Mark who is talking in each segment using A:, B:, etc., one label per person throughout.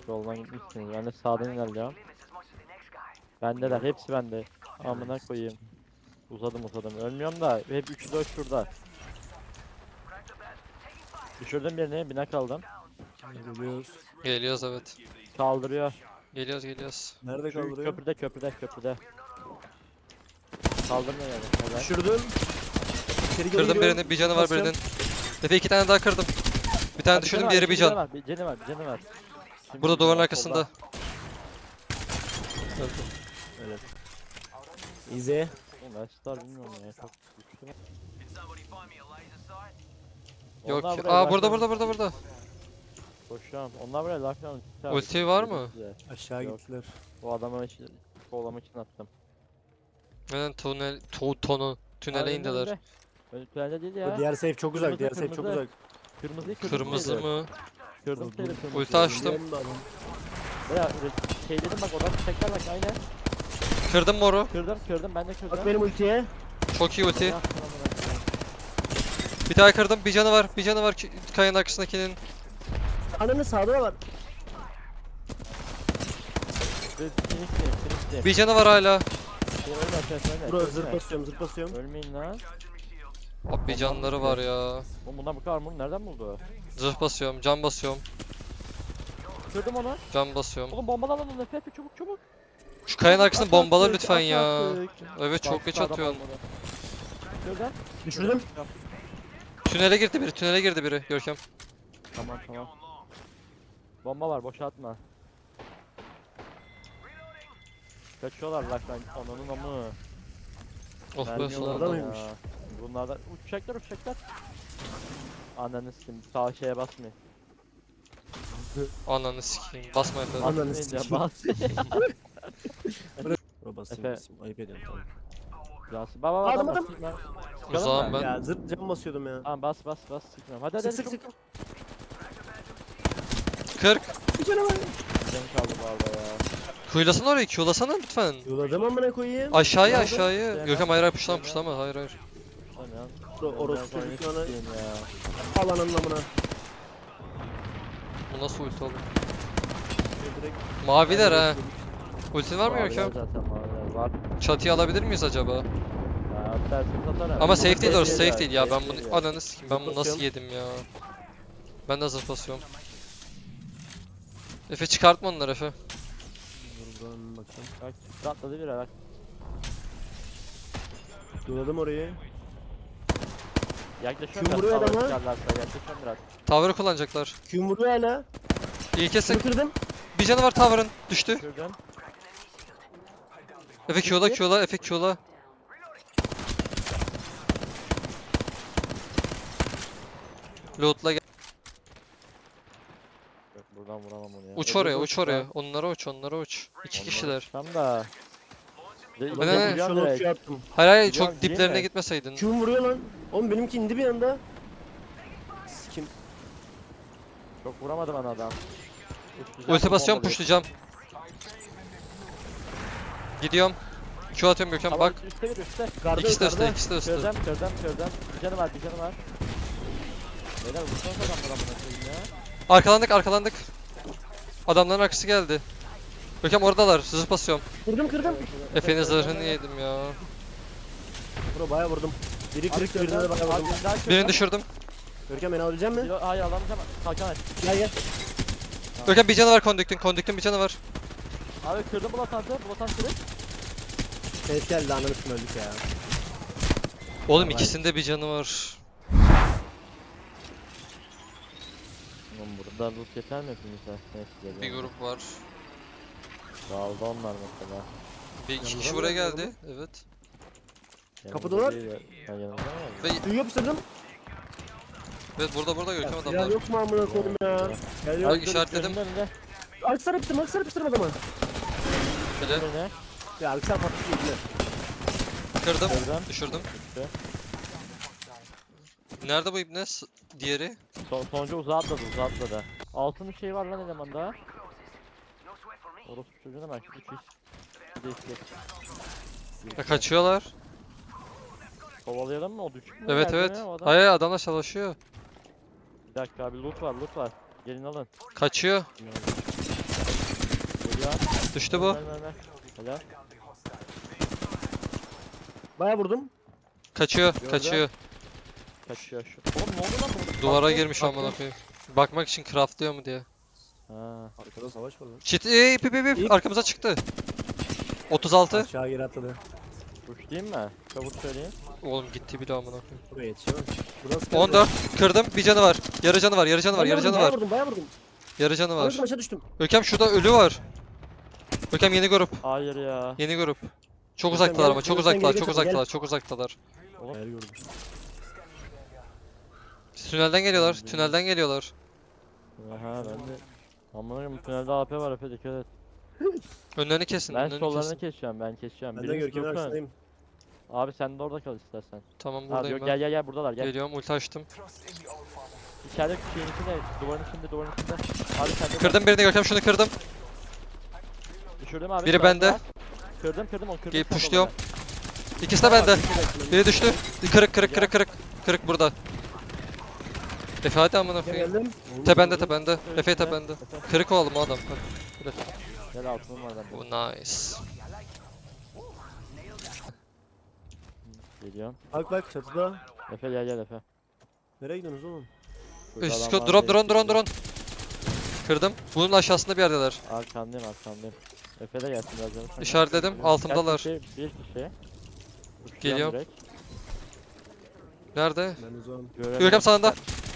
A: Soldan gitmişsiniz. Ben de sağdan ilerliyorum. Bendeler. Hepsi bende. Amına koyayım. Uzadım. Ölmüyorum da hep 3'ü 4 şurada. Düşürdüm birini. Bina kaldım.
B: Geliyoruz.
C: Geliyoruz evet.
A: Kaldırıyor.
C: Geliyoruz.
B: Nerede
A: Şu
B: kaldırıyor?
A: köprüde. Kaldırmıyor yani. Helal.
B: Düşürdüm. İçeri geri
C: Kırdım
B: giriyorum.
C: birini, bir canı var
B: Basıyorum.
C: birinin. Efe 2 tane daha kırdım. Bir tane
A: Ha,
C: düşürdüm,
A: canı
C: diğeri
A: var,
C: bir can.
A: Bir canı var. Şimdi
C: Burada
A: bir
C: duvarın
A: canı var,
C: arkasında.
A: solda.
B: Evet. İzi.
A: Oğlum Star bilmiyorum ya. Çok güçlü mü?
C: Yok.
A: Onlar buraya
C: Aa burada
A: laflanın-
C: burada.
A: Koşuyorum. Onlar buraya laflanın.
C: Ulti var mı?
B: Aşağı
A: Yok.
B: gittiler.
A: Bu adamı kovalamak için attım.
C: Neden tünele indiler.
A: Önü tünelde değil
B: Bu
A: ya.
B: diğer safe çok uzak.
A: Kırmızı,
B: Diğer safe çok
A: kırmızı.
B: uzak.
C: Kırmızı mı?
A: Kırdım sayılır kırmızı.
C: Ulti açtım.
B: Biliyorum da adam.
A: Veya şey dedim bak oradan tekrar bak aynen.
C: Kırdım moru.
A: Kırdım ben de kırdım.
B: Bak benim ultiye.
C: Çok iyi ulti.
A: Ah, tamam, bırak.
C: Bir tane kırdım. Bir canı var. Kayanın arkasındakinin.
B: Ananı sağda var.
A: Finish'ti.
C: Bir canı var hala.
A: Ölme.
B: Bro zırh basıyorum.
A: Ölmeyin lan.
C: Abi bir canları var ya.
A: Oğlum bundan bu kadar mı? Nereden buldu?
C: Zırh basıyorum, can basıyorum,
A: Kırdım onu.
C: can basıyorum.
A: Oğlum bombalan onu Efe çabuk.
C: Şu kayanın arkasını
A: At
C: bombala
A: artık,
C: lütfen
A: at
C: ya.
A: artık.
C: Evet çok
A: Bak,
C: geç
A: sağda
C: atıyorsun.
A: bombalı. Şuradan.
B: Düşürdüm.
C: Tünele girdi biri Görkem.
A: Tamam. Bomba var boşa atma. Kaçıyorlar lan ananın amı.
C: Oh be
A: Mermi
C: sonunda.
B: Orada
A: yollarda
B: mıymış?
A: ya. Bunlardan uçacaklar. Ananı sikim sağ şeye basmayın.
C: Ananı sikeyim. Basma Efe.
B: Ananı
A: Basmayın ya,
B: sikeyim.
A: bas.
B: Bro basayım
A: Efe.
B: basayım. Ayıp ediyorum tamam.
A: Bas. Baba
B: Adam,
A: adam.
B: adam.
C: Uzağım ben.
B: Ya zırh cam basıyordum ya.
A: Tamam bas sıkmıyorum. Hadi
B: Sık sık
A: çabuk.
B: sık.
C: 40.
B: Bir canım var.
A: Canım kaldı bu arada ya.
C: Kuyulasana orayı, Q'lasana lütfen.
B: Yoladım amına koyayım.
C: Aşağıya.
A: Nerede?
C: Görkem hayır puşlama. Hayır.
A: Tamam ya.
B: Bro orospu
A: Ben
B: çocuklarına
A: oynayayım ya.
B: al ananın amına.
C: Bu nasıl ulti oğlum?
B: Direkt
C: Maviler ha. Ultin var mı
A: Maviler
C: Görkem?
A: zaten maviler var.
C: Çatıyı alabilir miyiz acaba?
A: Ya dersini satarım.
C: Ama safe değil orası,
A: Safe
C: safe değil ya. Ben
A: safe değil
C: bunu ananı sikeyim. Ben bunu nasıl
B: Basıyorum.
C: yedim ya? Ben de zırh basıyorum. Efe çıkartma onları Efe.
B: Dur buradan bakacağım.
A: Bak atladı bir bak.
B: Yoladım orayı.
A: Yaklaşıyorum
B: Kim vuruyor
A: tavaya
B: adama?
A: çıkarlarsa, yaklaşıyorum biraz.
C: Tower'ı kullanacaklar.
B: Kim vuruyor hala?
C: İyi kesin.
B: Bunu kırdım.
C: Bir canı var Tower'ın. Düştü.
A: Şuradan.
C: Efe Q'la. Efe Q'la. Loot'la gel.
A: Yok buradan vuramam onu ya.
C: Uç
A: Öbür
C: oraya,
A: uç
C: uç oraya. Onlara uç. İki kişiler.
A: Tam da.
B: Lan
C: Ne?
B: ben şu an okçu attım.
C: Hayır,
A: Biliyorum,
C: çok
A: değil
C: diplerine
A: mi?
C: gitmeseydin.
B: Kim vuruyor lan? Oğlum benimki indi bir anda. Sikim.
A: Çok vuramadı bana adam.
C: Ulti basıyorum, pushlayacağım. Gidiyorum. Q atıyorum Görkem
A: Tamam,
C: bak.
A: üstte.
B: Garda
C: İkisi de üstte,
B: yukarıda.
C: ikisi de üstte.
A: Kırdım. Bir canı var. Beyler vursanız adamlar amına koyayım ya.
C: Arkalandık. Adamların arkası geldi. Görkem oradalar. Zırh basıyorum.
B: Kırdım.
C: Efe'nin zırhını yedim ya.
B: Bro bayağı vurdum. Biri kırıktı birine de bayağı vurdum.
C: Birini düşürdüm.
B: Görkem beni alabilecek misin?
A: Hayır alamayacağım. Kalkan aç.
B: Gel.
C: Görkem bir canı var Conduct'in. Conduct'in bir canı var.
A: Abi kırdım Bulatant'ı. Bulatant kırık.
B: Ses geldi ananı üstüne öldük ya.
C: Oğlum
B: Vallahi.
C: ikisinde bir canı var.
A: Oğlum burada loot yeter mi hepimize? Neyse
C: Bir grup var.
A: Dağıldı onlar mesela.
C: Bir iki
B: Yanımıza
C: kişi
B: mı
C: buraya
B: geldi
C: geldi. Evet.
B: Kapıdalar.
A: Ben yanımda mı?
C: Ve
B: Suyu yapıştırdım.
C: evet burada Görkem
B: Ya
C: adamlar.
B: yok mu amına koydum ya? Gel yok.
C: Bak işaretledim.
B: Aksar yapıştırdım adamı.
C: Bile.
A: Ne?
B: Ya aksar patlıcı yediler.
C: Kırdım.
A: Kırdım.
C: Düşürdüm.
A: Düştü.
C: Nerede bu ibne? Diğeri.
A: Sonuncu uzağa atladı. Altın bir şey var lan elemanda. Orospu çocuğuna bak. 3 iş. Bir de işte.
C: Ya kaçıyorlar.
A: Kovalayalım mı o düşük mü?
C: Evet
A: Geldi
C: evet.
A: mi o adam?
C: Hayır adamlar savaşıyor.
A: Bir dakika abi loot var. Gelin alın.
C: Kaçıyor. Düştü bu.
A: Ver. Helal.
B: Bayağı vurdum.
C: Kaçıyor,
A: Gördüm.
C: kaçıyor.
A: Kaçıyor şu. Oğlum ne oldu lan burada?
C: Duvara
A: Kalktı,
C: girmiş
A: kalktı.
C: amına koyayım. Bakmak için craftlıyor mu diye.
A: Ha.
B: Arkada savaş var lan.
C: Çit ip arkamıza çıktı. 36.
B: Aşağı geri atladı.
A: Uçlayayım mı? Çabuk söyleyeyim.
C: Oğlum gitti bile amına koyayım.
B: Buraya yetişemem. Buradan sıkıntı
C: 14 kırdım. Bir canı var. Yarı canı var. Yarı canı var.
B: Bayağı
C: Yarı
B: vurdum,
C: canı
B: bayağı
C: var.
B: vurdum, bayağı vurdum.
C: Yarı canı var.
B: Vurdum, aşağı düştüm.
C: Görkem şurada ölü var. Görkem yeni grup.
A: Hayır ya.
C: Yeni grup. Çok
B: Görkem
C: uzaktalar
B: gel,
C: ama çok
B: Görkem
C: uzaktalar.
B: geri
C: Çok
B: kaçalım,
C: uzaktalar. Çok uzaktalar.
B: Hayal gördüm.
C: Tünelden geliyorlar. Tünelden geliyorlar.
A: Aha ben de. Amına koyayım bu tünelde AP var Efe dikkat et.
C: Önlerini kesin.
A: Ben
C: Önlerini
A: sollarını
C: kesin.
A: keseceğim ben keseceğim.
B: Ben de
A: Biriniz
B: Görkem'in
A: dursun.
B: arkasındayım.
A: Abi sen de orada kal istersen.
C: Tamam
A: Abi
C: buradayım
A: yok
C: ben.
A: gel buradalar gel.
C: Geliyorum. Ulti açtım.
A: İçeride şeyin içinde duvarın içinde. Abi sen de
C: Kırdım birini Görkem. Şunu kırdım.
A: Düşürdüm abi.
C: Biri
A: silahını
C: bende.
A: var. Kırdım onu kırdım.
C: Gelip
A: sen de
C: pushluyorum.
A: orada.
C: İkisi de bende.
B: Bekle.
C: Biri düştü. Kırık burada. Efe hadi amına
B: Gel
C: koyayım.
B: geldim.
C: Tepende tepende. Efe
A: Üstüne.
C: tepende.
A: Efe,
C: Kırık oğlum o adam. Hadi.
A: Gel altınım var bende.
C: Oh nice.
A: Geliyorum.
B: Bak çatıda.
A: Efe gel Efe.
B: Nereye gidiyorsunuz oğlum?
A: Şurada
C: Üst
A: adam var,
C: drone.
A: benim
C: Kırdım. Bunun aşağısında bir yerdeler.
A: Arkandayım. Efe de gelsin biraz canım. sen gel.
C: İşaretledim. Altımdalar.
A: Bir kişi. Uçacağım
C: Geliyorum.
A: direkt.
C: Nerede?
B: Ben uzağım.
A: Göremiyorum.
C: Görkem sağında.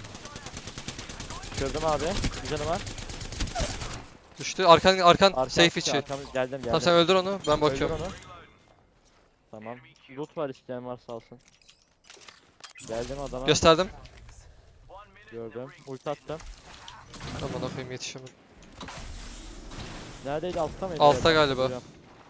A: Kırdım abi. Bir canı var.
C: Düştü. Arkan
A: Arkam
C: safe
A: içi,
C: içi.
A: Geldim.
C: Tamam sen öldür onu. Ben bakıyorum.
A: Öldür onu. Tamam. Loot var isteyen varsa alsın. Geldim adama.
C: Gösterdim.
A: Gördüm. Ulti attım.
C: Aman koyayım yetişemedim.
A: Neredeydi altta mıydı?
C: Altta
A: Evet,
C: galiba.
A: hatırlıyorum.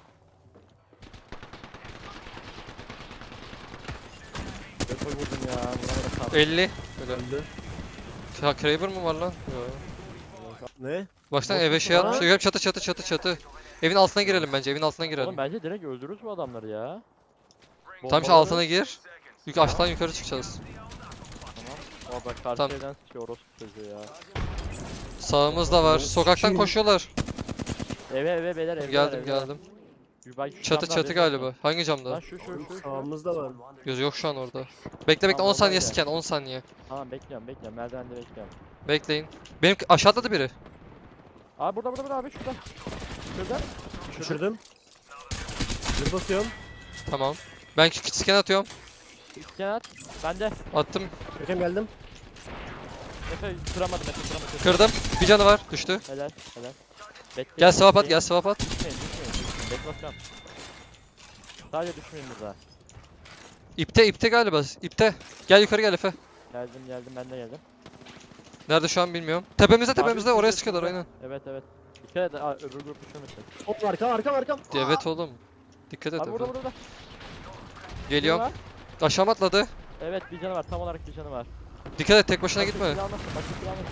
A: Depo vurdum ya. Buna da kap.
C: 50. Öyle.
B: Öldü.
C: Ya Kraber mı var lan? Yo.
B: Ne?
C: Baksana
A: Bot
C: eve
A: mu
C: şey
A: var?
C: atmış. Görkem çatı. Evin altına girelim bence. Evin altına
A: Oğlum
C: girelim.
A: bence direkt öldürürüz bu adamları ya.
C: Tam şu
A: Bombaları-
C: altına gir. Aşağıdan yukarı çıkacağız.
A: Tamam. O bak karşı
C: Tamam.
A: evden sıkıyor orospu çocuğu ya.
C: Sağımızda var. Sokaktan
B: Kim?
C: koşuyorlar.
A: Eve beyler evdeler.
C: Geldim
A: evdeler.
C: geldim.
A: Bir bak şu
C: Çatı
A: camdan
C: çatı
A: benim
C: galiba.
A: olsun.
C: Hangi
A: Lan
C: camda?
A: şu.
B: Sağımızda var.
C: Göz yok şu an orada. Bekle
A: Tamam,
C: 10 saniye
A: normal
C: scan 10 saniye.
A: Tamam bekliyorum. Merdivende bekliyorum.
C: Bekleyin. Benim aşağıda da biri.
A: Abi burada abi şurada. Şurada.
B: Düşürdüm. Bir basıyorum.
C: Tamam. Ben scan atıyorum.
A: İskan at. Bende.
C: Attım.
B: Görkem geldim.
A: Efe kıramadım.
C: Kırdım. Bir canı var. Düştü.
A: Helal. Bekleyin.
C: Gel swap at. Gel swap at.
A: Düşmeyin. Beklasam. Sadece düşmeyin burada.
C: İpte galiba. İpte. Gel yukarı gel Efe.
A: Geldim ben de geldim.
C: Nerede şu an bilmiyorum. Tepemizde oraya
A: şurada,
C: sıkıyorlar
A: şurada.
C: aynen.
A: Evet. Dikkat et. Öbür grup düşmemişsin.
B: Oğlum arkam.
C: Evet oğlum. Dikkat et
A: Abi
C: Efe.
A: burada.
C: Geliyorum.
A: Biri var.
C: Aşağı mı atladı?
A: Evet bir canı var. Tam olarak bir canı var.
C: Dikkat et tek başına gitme.
A: Başka silah almasın.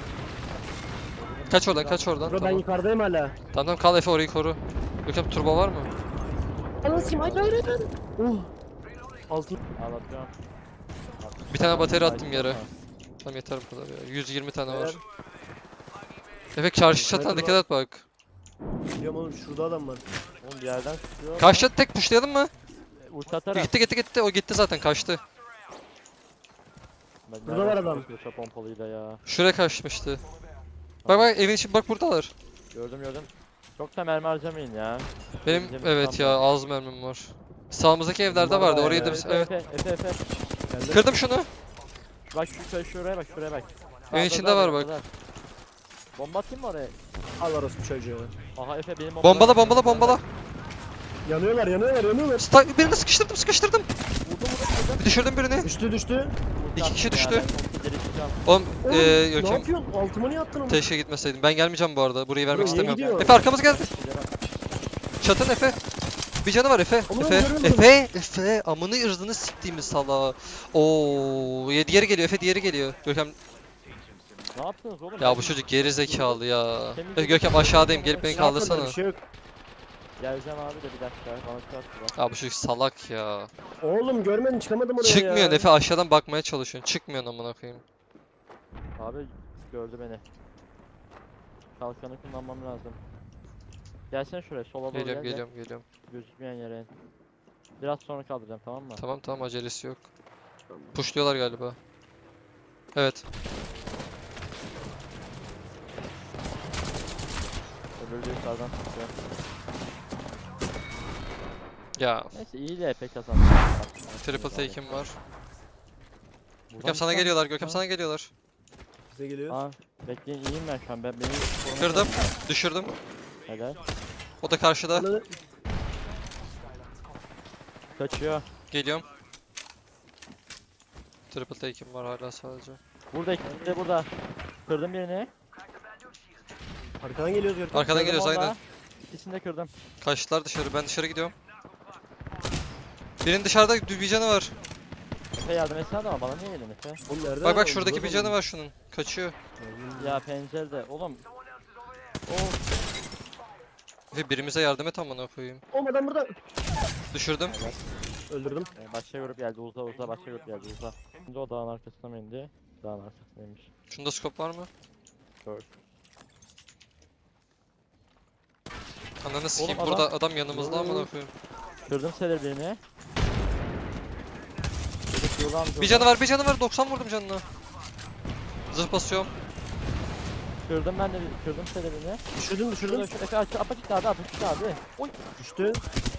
C: Kaç oradan.
B: Bro ben
C: Tamam.
B: yukarıdayım hala.
C: Tamam kal Efe orayı koru. Görkem turbo var mı?
B: Anasını hayır. Altın.
A: Ağlatıyorum.
C: Bir tane bateri attım yere. Tamam yeter bu kadar ya. 120 tane var. Efe karşı çatına dikkat et bak.
B: Biliyorum oğlum şurada adam var.
A: Oğlum bir yerden sıkıyor.
C: Karşı çatı tek pushlayalım mı?
A: Ulti atarım.
C: Gitti. O gitti zaten kaçtı.
A: Ben
B: Burada
A: nereden
B: var adam.
A: sıkıyorsa pompalıyla ya.
C: Şuraya kaçmıştı. Bak evin içi bak buradalar.
A: Gördüm. Çok da mermi harcamayın ya.
C: Benim
A: Bizim
C: evet ya
A: kampa.
C: az mermim var. Sağımızdaki evlerde
B: Bunlar
C: vardı
B: var
C: orayı
B: ya.
C: da biz evet.
A: Efe.
B: Geldim.
C: Kırdım şunu.
A: Bak şuraya bak.
C: Evin
A: Sağda
C: içinde
A: da,
C: var bak.
A: sağda. Bomba atayım mı oraya?
B: Al orospu çocuğu.
A: Aha Efe benim
C: Bombala.
B: Yanıyorlar.
C: Birini sıkıştırdım. Bir düşürdüm birini.
B: Düştü.
C: İki kişi düştü. Oğlum
B: Oğlum ne
C: Görkem
B: yapıyorsun? Altıma niye attın onu?
C: keşke gitmeseydim. Ben gelmeyeceğim bu arada. Burayı vermek
B: Niye
C: istemiyorum.
B: gidiyor?
C: Efe arkamız geldi. Çatın Efe. Bir canı var Efe.
B: Oğlum,
C: Efe.
B: görüyorum.
C: Efe. Amını ırzını siktiğimiz sala. Oo, diğeri geliyor. Efe diğeri geliyor. Görkem
A: Ne yaptınız oğlum?
C: ya bu çocuk geri zekalı ya.
A: Temizledim.
C: Görkem aşağıdayım. Gelip beni
B: Ne yapmadım,
C: kaldırsana.
B: bir şey yok.
A: Geleceğim abi de bir dakika. Bana çarptı bak.
C: Ya bu çocuk salak ya.
B: Oğlum görmedim çıkamadım oraya
C: Çıkmıyorsun
B: ya.
C: Efe aşağıdan bakmaya çalışıyorsun. Çıkmıyorsun amına koyayım.
A: Abi gördü beni. Kalkanı kullanmam lazım. Gelsene şuraya sola doğru
C: Geliyorum
A: gel.
C: geliyorum.
A: Gözükmeyen yere in. Biraz sonra kaldıracağım tamam mı?
C: Tamam acelesi yok. Pushluyorlar galiba. Evet.
A: Öbürü de yukarıdan çıkıyor.
C: Ya
A: Neyse iyi de epey kazandı.
C: triple take'im var.
A: Buradan
C: Görkem sana
A: çıkan-
C: geliyorlar. Görkem
A: Ha.
C: sana geliyorlar.
B: Bize geliyor.
A: Aa bekleyin iyiyim ben şu an. Benim koruma
C: Kırdım.
A: çalışıyor.
C: Düşürdüm.
A: Helal.
C: O da karşıda.
B: Ananı-
A: Kaçıyor.
C: Geliyorum. Triple take'im var hala sadece.
A: Burada ikisi de burada. Kırdım birini.
B: Arkadan geliyoruz Görkem.
C: Arkadan
A: Kırdım
C: geliyoruz
A: onu da.
C: aynen.
A: İkisini de kırdım.
C: Kaçtılar dışarı. Ben dışarı gidiyorum. Birinin dışarıda bir canı var.
A: Efe yardım etsene ama bana niye gelin Efe?
B: Oğlum nerede?
C: Bak şuradaki bir canı var şunun. Kaçıyor.
A: Ya pencerede. Oğlum.
C: Ve birimize yardım et amına koyayım.
B: Oğlum adam burada.
C: Düşürdüm.
B: Öldürdüm.
A: Başka grup geldi uza başka grup geldi uza. Şimdi o dağın arkasına mı indi? Dağın arkasındaymış.
C: Şunda scope var mı?
A: Gör.
C: Ananı sikeyim.
A: adam-
C: Burada adam yanımızda amına koyayım.
A: Kırdım sedir birini.
C: Bir canı var. 90 vurdum canına. Zırh basıyorum.
A: Kırdım ben de kırdım sedir birini.
B: Düşürdüm.
A: Şurada şu Efe apaçık abi. Oy.
B: Düştü.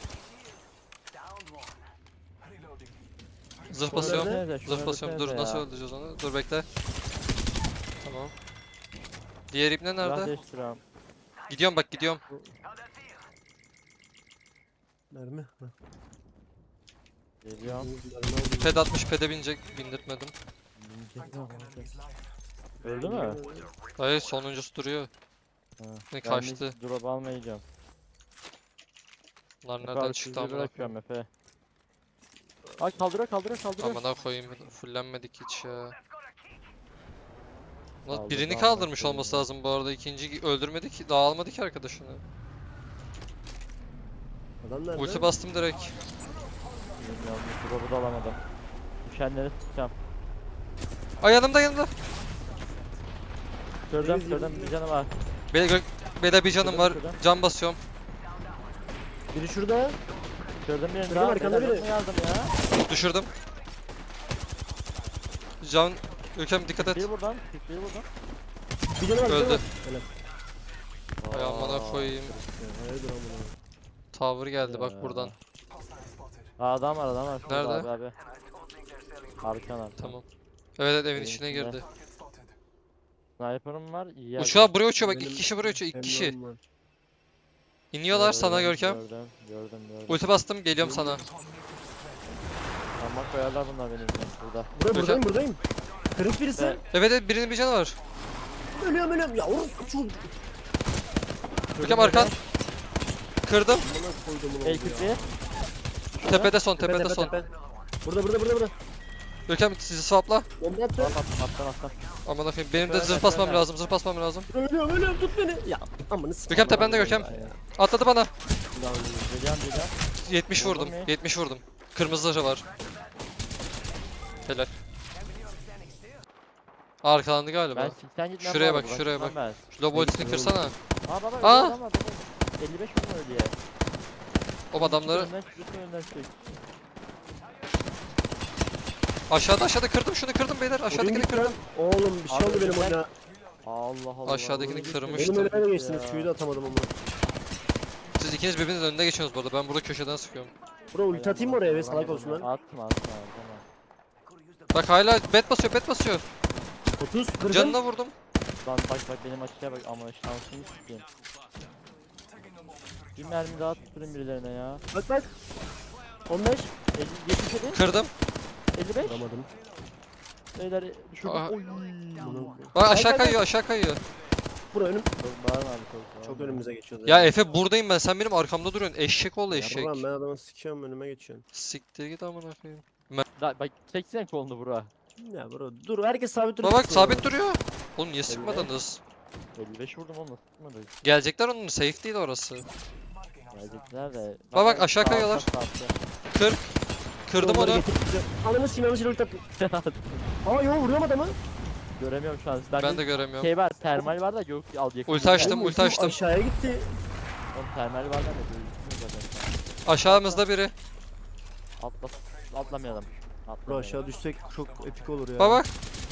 C: Zırh basıyorum.
A: Öldürsenize, şunu
C: Zırh basıyorum. Dur
A: öldürsenize
C: nasıl
A: ya.
C: öldüreceğiz onu? Dur bekle. Tamam. Diğer ibne
A: Silah
C: nerede?
A: değiştiriyorum.
C: Gidiyorum bak gidiyorum.
B: Mermi. Ha.
A: Geliyorum.
B: Mermi aldım.
C: Ped atmış pede binecek. Bindirtmedim.
A: Öldü mü?
C: Hayır sonuncusu duruyor.
A: Ha.
C: Ne
A: Ben
C: kaçtı.
A: hiç drop almayacağım.
C: Bunlar
A: Efe
C: nereden
A: abi
C: çıktı
A: sizi
C: amına
A: bırakıyorum Efe. Ay kaldırıyor.
C: Amına koyayım. Fullenmedik hiç ya. Lan
A: Kaldırdı
C: birini
A: amına
C: kaldırmış
A: koyayım
C: olması
A: ya.
C: lazım bu arada. İkinciyi öldürmedi ki. Daha almadı ki arkadaşını.
B: Adam nerede?
C: Ulti bastım direkt.
A: Bilmiyorum drop'u da alamadım. Düşenleri tutacağım.
C: Ay yanımda.
A: Kırdım bir canı var.
C: Beyler bir canım var.
A: Kırdım.
C: Can basıyorum.
B: Biri şurada.
A: Kırdım birini
B: Kırdım,
A: daha.
B: arkanda
A: Beyler,
B: biri.
A: yok mu yardım ya?
C: Düşürdüm. Can Ülkem dikkat et.
A: Bir buradan.
B: Bir canı var.
C: Öldü.
B: Helal.
C: Ay amına koyayım.
B: Hayırdır amına.
C: Tower geldi bak
A: Ya.
C: buradan.
A: Adam var. Şurada
C: Nerede?
A: Abi. Arkan.
C: Tamam. Evet evin
A: Evin
C: içine
A: içinde.
C: girdi.
A: Sniper'ım var. İyi yerde.
C: Uçağı buraya uçuyor bak
B: Benim
C: 2 kişi buraya uçuyor 2 kişi.
B: Hem var.
C: İniyorlar sana Görkem.
A: Gördüm.
C: Ulti bastım geliyorum sana.
A: Ama koyarlar bunlar benim için burada.
B: Buradayım. Kırık birisi.
A: Ben-
C: Evet birinin bir canı var.
B: Ölüyorum. Ya orospu çocuğu.
C: Görkem arkan. Kırdım.
B: Amına koydum onu.
A: El
C: Tepede son tepede son.
B: Burada.
C: Görkem sizi swapla.
B: Bomba attı.
A: Attan.
C: Aman koyayım benim de
A: Evet,
C: zırh basmam
A: evet.
C: lazım.
B: Ölüyorum tut beni. Ya amına sikeyim.
C: Görkem tepende Görkem. Atladı bana.
A: Geliyorum.
C: 70 vurdum.
A: Vurdun mu?
C: 70 vurdum. Kırmızı zırhı var. Helal. Arkalandı
A: Ben
C: galiba.
A: 80 gitmem
C: Şuraya
A: bu
C: bak,
A: arada,
C: şuraya
A: bırakmam ben.
C: Şu lobo ultisini kırsana.
A: Baba
C: Aa!
A: öldü adam var. 55 vurma öyle ya.
C: O adamları
A: Önden çık.
C: aşağıda kırdım şunu kırdım beyler. Aşağıdakini kırdım.
B: Oğlum bir şey
A: Abi
B: oldu benim
A: ben-
B: oyuna.
A: Allah.
C: Aşağıdakini
A: Oyunu
C: kırmıştım.
B: Benim
A: bitirdim.
B: önüme de geçtiniz.
A: Ya.
B: Q'yu da atamadım ama.
C: Siz ikiniz birbirinizin önünde geçiyorsunuz bu arada. Ben burada köşeden sıkıyorum.
B: Bro ulti atayım mı oraya be salak olsunlar.
A: Atma. Tamam.
C: Bak hala bet basıyor.
B: 30 kırdım.
C: Canına vurdum.
A: Lan bak benim açıya bak ama şansımı sikeyim. Bir mermi daha tutturun birilerine ya.
B: Bak. 15.
A: 77,
C: Kırdım.
A: 55.
B: Vuramadım.
A: Beyler düşürdüm.
C: Aa.
A: Oy.
C: Bak aşağı
B: Gel.
C: kayıyor.
B: Bura önüm.
A: Çok bağırma abi çok.
B: Çok önümüze geçiyordu.
C: Ya Efe buradayım ben. Sen benim arkamda duruyorsun. Eşek ol eşek.
B: Ulan ben adamı sikiyorum önüme geçiyorsun.
C: Siktir git amına koyayım.
A: Bak çeksene kolunu bura.
B: Ya bro dur herkes sabit
C: Bak
B: duruyor.
C: bak sabit duruyor. Oğlum niye sıkmadınız?
A: 55 vurdum oğlum nasıl tutmadı?
C: Gelecekler onun safe değil orası.
A: Gelecekler de.
C: Bak, aşağı
A: sağ
C: kayıyorlar.
A: altta, sağ
C: Kır. Kırdım onu.
B: Ananı sikeyim ulti attım.
A: altta.
B: Aa yo vuruyorum adamı.
A: Göremiyorum şu an.
C: Ben de göremiyorum.
A: Şey var termal var da yok al yakın.
C: Ulti açtım,
B: Oğlum,
C: ulti açtım.
B: Aşağıya gitti.
A: Oğlum termal var lan ne böyle zaten.
C: Aşağımızda biri.
A: Atlamayalım.
B: Bro
A: Atlamayalım.
B: aşağı düşsek çok epik olur ya.
C: Bak bak.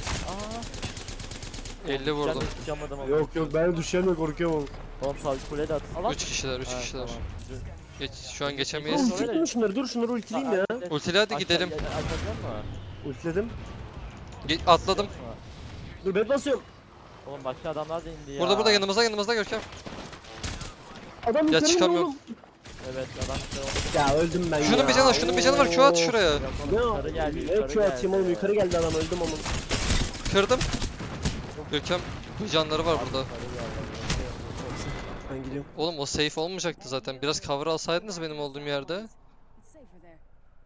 A: Aa.
C: 50 vurdum.
A: Çıkamadım ama.
B: Yok yok ben düşeceğim korkuyorum.
A: Oğlum sağ kule de at. Allah.
C: 3 kişiler, 3
A: Ha,
C: kişiler.
A: tamam.
C: Şu an
B: Oğlum
C: geçemeyiz.
A: Oraya da-
B: ultiledim şunları dur şunları ultileyim ya.
C: Ultili hadi gidelim.
A: Açacak mı?
B: Ultiledim.
C: Atladım.
B: Dur ben basıyorum.
A: Oğlum başka adamlar da indi ya.
C: Burada yanımızda Görkem.
B: Adam
C: Ya
B: yukarı
C: çıkamıyorum.
B: oğlum.
A: Evet adam işte oldu.
B: Ya öldüm ben ya.
C: Şunun bir canı var. Q at şuraya.
A: Yok oğlum,
B: Ne
A: yukarı geldi,
B: Ne
A: yukarı
B: Q atayım oğlum
A: geldi.
B: yukarı geldi adam öldüm ama.
C: Kırdım. Görkem canları var burada.
A: Yukarı geldi.
B: Ben gidiyorum.
C: Oğlum o safe olmayacaktı zaten. Biraz cover alsaydınız benim olduğum yerde.
D: It's safer there.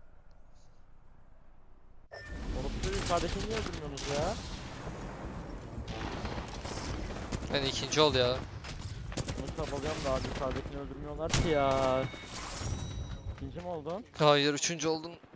A: Oğlum şu yukarıdakini niye öldürmüyorsunuz ya?
C: Yani ikinci ol ya.
A: Bunu çabalıyorum da abi yukarıdakini öldürmüyorlar ki ya. İkinci mi oldun?
C: Hayır, üçüncü oldun.